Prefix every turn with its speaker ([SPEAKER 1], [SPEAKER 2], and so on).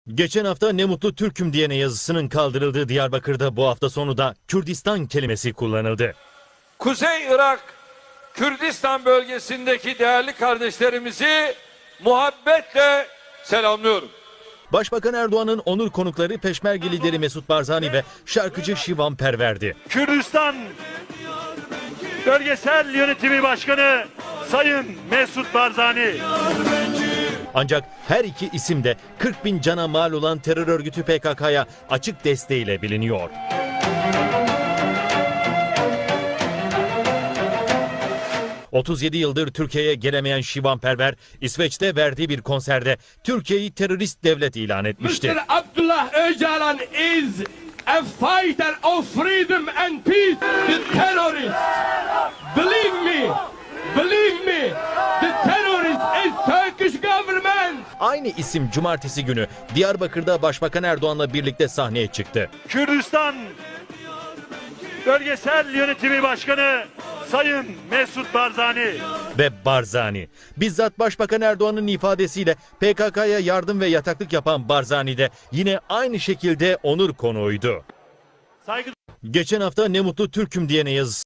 [SPEAKER 1] Geçen hafta "Ne mutlu Türk'üm" diyene yazısının kaldırıldığı Diyarbakır'da bu hafta sonu da Kürdistan kelimesi kullanıldı.
[SPEAKER 2] Kuzey Irak, Kürdistan bölgesindeki değerli kardeşlerimizi muhabbetle selamlıyorum.
[SPEAKER 1] Başbakan Erdoğan'ın onur konukları Peşmerge lideri Mesut Barzani ve şarkıcı Şivan Perver'di.
[SPEAKER 3] Kürdistan Bölgesel Yönetimi Başkanı Sayın Mesut Barzani.
[SPEAKER 1] Ancak her iki isim de 40 bin cana mal olan terör örgütü PKK'ya açık desteğiyle biliniyor. ...37 yıldır Türkiye'ye gelemeyen Şivan Perver, İsveç'te verdiği bir konserde Türkiye'yi terörist devlet ilan etmişti.
[SPEAKER 4] Mr. Abdullah Öcalan is a fighter of freedom and peace. The terrorist, believe me, the terrorist is Turkish government.
[SPEAKER 1] Aynı isim cumartesi günü Diyarbakır'da Başbakan Erdoğan'la birlikte sahneye çıktı.
[SPEAKER 3] Kürdistan Bölgesel Yönetimi Başkanı Sayın Mesut Barzani.
[SPEAKER 1] Ve Barzani, bizzat Başbakan Erdoğan'ın ifadesiyle PKK'ya yardım ve yataklık yapan Barzani de yine aynı şekilde onur konuğuydu.
[SPEAKER 3] Saygı
[SPEAKER 1] Geçen hafta "Ne mutlu Türk'üm" diyene yazısı